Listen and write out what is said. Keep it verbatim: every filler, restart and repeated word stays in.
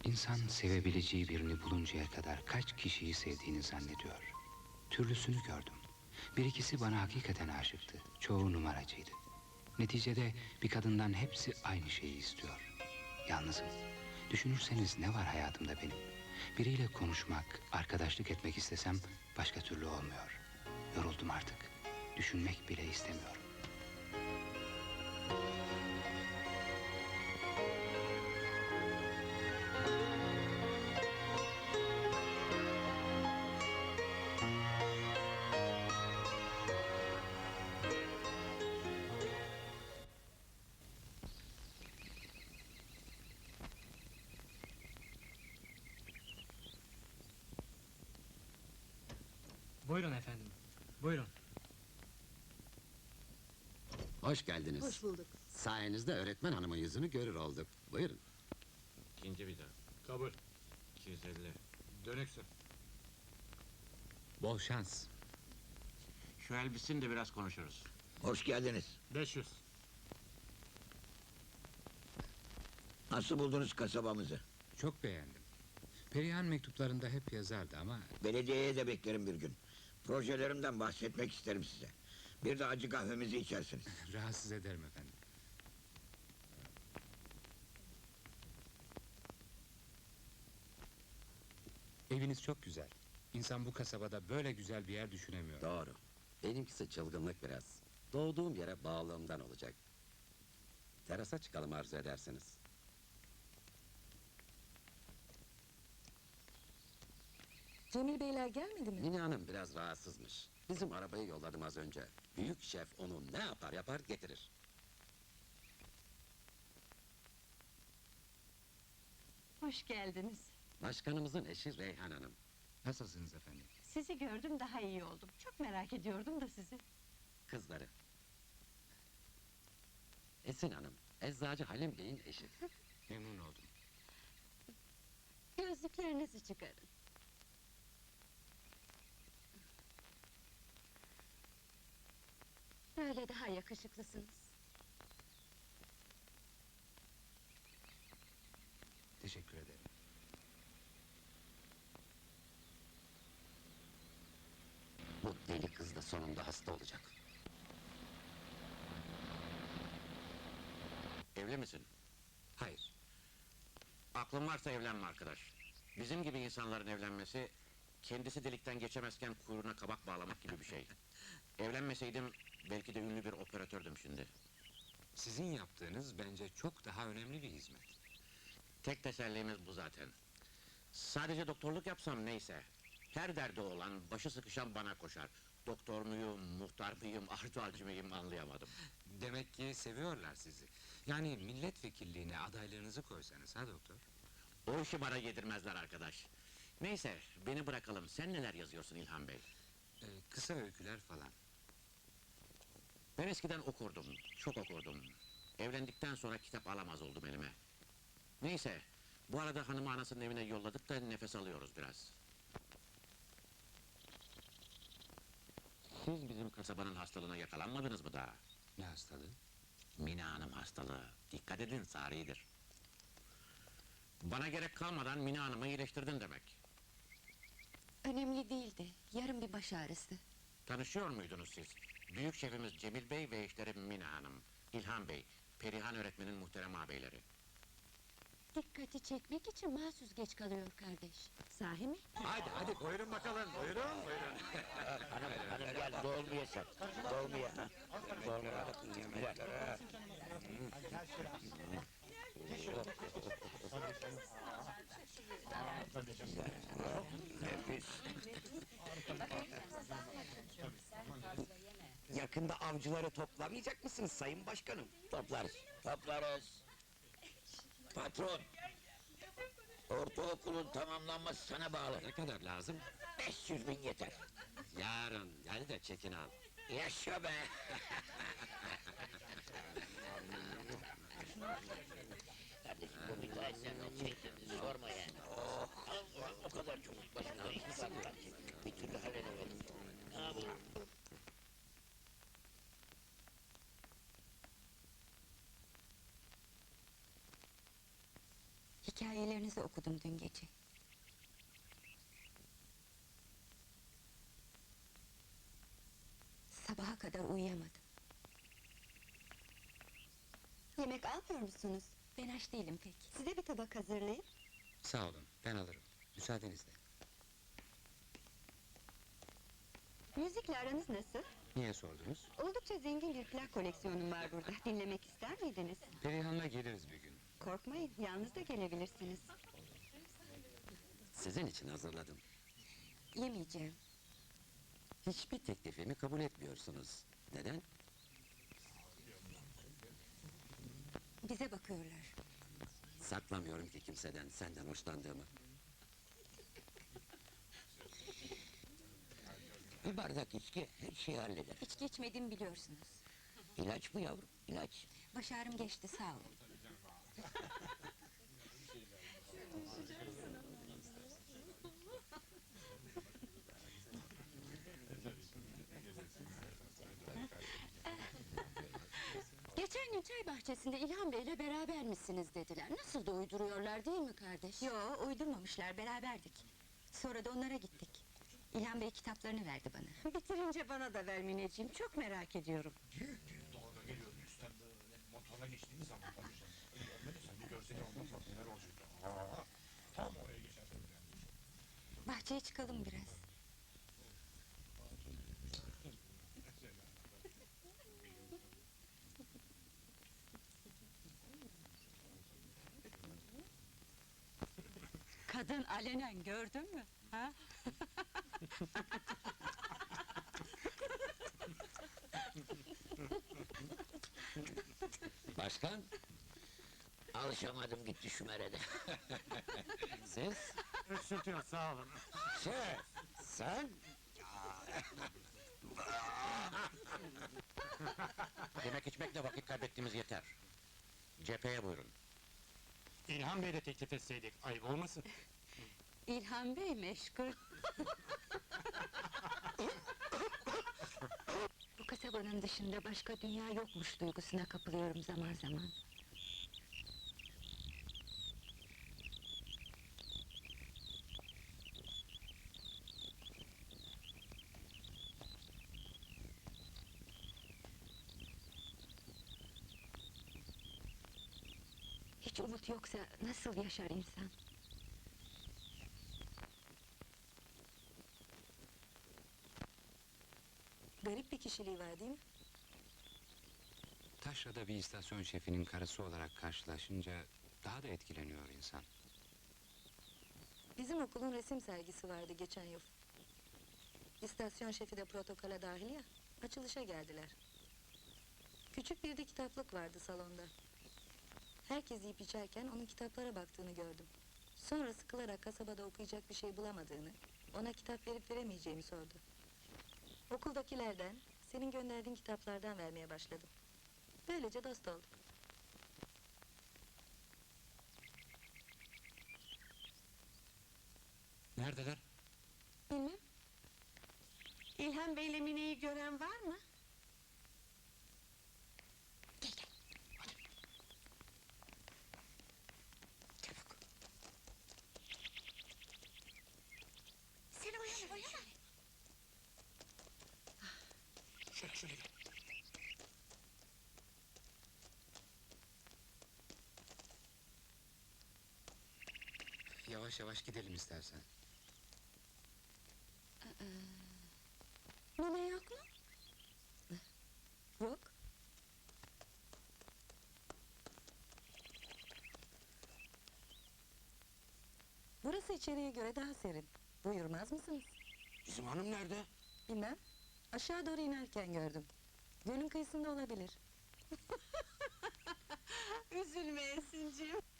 İnsan sevebileceği birini buluncaya kadar kaç kişiyi sevdiğini zannediyor. Türlüsünü gördüm. Bir ikisi bana hakikaten aşıktı. Çoğu numaracıydı. Neticede bir kadından hepsi aynı şeyi istiyor. Yalnızım. Düşünürseniz ne var hayatımda benim? Biriyle konuşmak, arkadaşlık etmek istesem başka türlü olmuyor. Yoruldum artık. Düşünmek bile istemiyorum. Buyurun efendim, buyurun. Hoş geldiniz. Hoş bulduk. Sayenizde öğretmen hanımın yüzünü görür olduk. Buyurun. İkinci bir daha. Kabul. iki yüz elli. Dönüksün. Bol şans. Şu elbisin de biraz konuşuruz. Hoş geldiniz. beş yüz. Nasıl buldunuz kasabamızı? Çok beğendim. Perihan mektuplarında hep yazardı ama... Belediyeye de beklerim bir gün. Projelerimden bahsetmek isterim size. Bir de acı kahvemizi içersiniz. Rahatsız ederim efendim. Eviniz çok güzel. İnsan bu kasabada böyle güzel bir yer düşünemiyor. Doğru. Benimkisi çılgınlık biraz. Doğduğum yere bağlılığımdan olacak. Terasa çıkalım arzu edersiniz. Cemil Beyler gelmedi mi? Mine Hanım biraz rahatsızmış. Bizim arabayı yolladım az önce. Büyük şef onu ne yapar yapar getirir. Hoş geldiniz. Başkanımızın eşi Reyhan Hanım. Nasılsınız efendim? Sizi gördüm, daha iyi oldum. Çok merak ediyordum da sizi. Kızları. Esin Hanım, Eczacı Halim Bey'in eşi. Memnun oldum. Gözlüklerinizi çıkarın. Böyle daha yakışıklısınız. Teşekkür ederim. Bu deli kız da sonunda hasta olacak. Evli misin? Hayır. Aklın varsa evlenme arkadaş. Bizim gibi insanların evlenmesi... ...kendisi delikten geçemezken kuyruğuna kabak bağlamak gibi bir şey. Evlenmeseydim belki de ünlü bir operatördüm şimdi. Sizin yaptığınız bence çok daha önemli bir hizmet. Tek tesellimiz bu zaten. Sadece doktorluk yapsam neyse. Her derdi olan, başı sıkışan bana koşar. Doktor muyum, muhtar mıyım, artualcı mıyım anlayamadım. Demek ki seviyorlar sizi. Yani milletvekilliğine adaylığınızı koysanız ha doktor? O işi bana yedirmezler arkadaş. Neyse, beni bırakalım. Sen neler yazıyorsun İlhan Bey? Ee, kısa öyküler falan. Ben eskiden okurdum, çok okurdum. Evlendikten sonra kitap alamaz oldum elime. Neyse, bu arada hanımı anasının evine yolladık da nefes alıyoruz biraz. Siz bizim kasabanın hastalığına yakalanmadınız mı daha? Ne hastalığı? Mine Hanım hastalığı. Dikkat edin, saridir. Bana gerek kalmadan Mine Hanım'ı iyileştirdin demek. Önemli değildi, yarım bir baş ağrısı. Tanışıyor muydunuz siz? Büyük şefimiz Cemil Bey ve eşleri Mine Hanım, İlhan Bey, Perihan öğretmenin muhterem ağabeyleri. Dikkati çekmek için mahsus geç kalıyor kardeş. Sahi mi? Hadi hadi buyurun bakalım, buyurun buyurun. Hanım, hanım gel, dolmuyor sen. Dolmuyor. ha. Dolmuyor. Gel. Nefis. Yakında avcıları toplamayacak mısınız sayın başkanım? Toplarız. Toplarız. Patron. Ortaokulun tamamlanması sana bağlı. Ne kadar lazım? beş yüz bin yeter. Yarın, gel de çekin al. Yaşa be! Kardeşim bu müteahhitlerin o çektiğini sorma yani. Oh, o kadar çok başına iş var ki bir türlü halledemedim. Ne yapalım? Hikayelerinizi okudum dün gece. Sabaha kadar uyuyamadım. Yemek almıyor musunuz? Ben aç değilim pek. Size bir tabak hazırlayayım. Sağ olun, ben alırım. Müsaadenizle. Müzikle aranız nasıl? Niye sordunuz? Oldukça zengin bir plak koleksiyonum var burada. Dinlemek ister miydiniz? Perihan'la geliriz bir gün. Korkmayın, yalnız da gelebilirsiniz. Sizin için hazırladım. Yemeyeceğim. Hiçbir teklifimi kabul etmiyorsunuz. Neden? Bize bakıyorlar. Saklamıyorum ki kimseden, senden hoşlandığımı. Bir bardak içki her şeyi halleder. İçki içmediğimi biliyorsunuz. İlaç bu yavrum, ilaç. Baş ağrım geçti, sağ olun. Geçen gün çay bahçesinde İlhan Bey'le beraber misiniz dediler. Nasıl da uyduruyorlar değil mi kardeş? Yo, uydurmamışlar, beraberdik. Sonra da onlara gittik. İlhan Bey kitaplarını verdi bana. Bitirince bana da ver Mineciğim, çok merak ediyorum. Dalga geliyordu üstten böyle motorla geçtiğimiz zaman tabii sen görmediysen bir görseydin ondan bak neler olacaktı. Aa, tam oraya geçersin yani. Bahçeye çıkalım biraz. Kadın alenen gördün mü? Ha? Başkan, Alışamadım gitti şu merede. siz? Öksürtüyor, sağ olun. Şef, sen? Yemek içmekle vakit kaybettiğimiz yeter. Cepheye buyurun. İlhan Bey de teklif etseydik, ayıp olmasın. İlhan Bey meşgul. Bu kasabanın dışında başka dünya yokmuş duygusuna kapılıyorum zaman zaman. Hiç umut yoksa nasıl yaşar insan? Garip bir kişiliği var değil mi? Taşra'da bir istasyon şefinin karısı olarak karşılaşınca daha da etkileniyor insan. Bizim okulun resim sergisi vardı geçen yıl. İstasyon şefi de protokola dahil ya, açılışa geldiler. Küçük bir de kitaplık vardı salonda. Herkes yiyip içerken onun kitaplara baktığını gördüm. Sonra sıkılarak kasabada okuyacak bir şey bulamadığını, ona kitap verip veremeyeceğimi sordu. Okuldakilerden, senin gönderdiğin kitaplardan vermeye başladım. Böylece dost olduk. Neredeler? Bilmem, İlhan Bey'le Mine'yi gören var mı? Sen oyalı, oyalı. Şöyle şöyle gel. Yavaş yavaş gidelim istersen. Mine yok mu? yok. Burası içeriye göre daha serin. Buyurmaz mısınız? Bizim hanım nerede? Bilmem. Aşağı doğru inerken gördüm. Gölün kıyısında olabilir. Üzülme Esin'cim.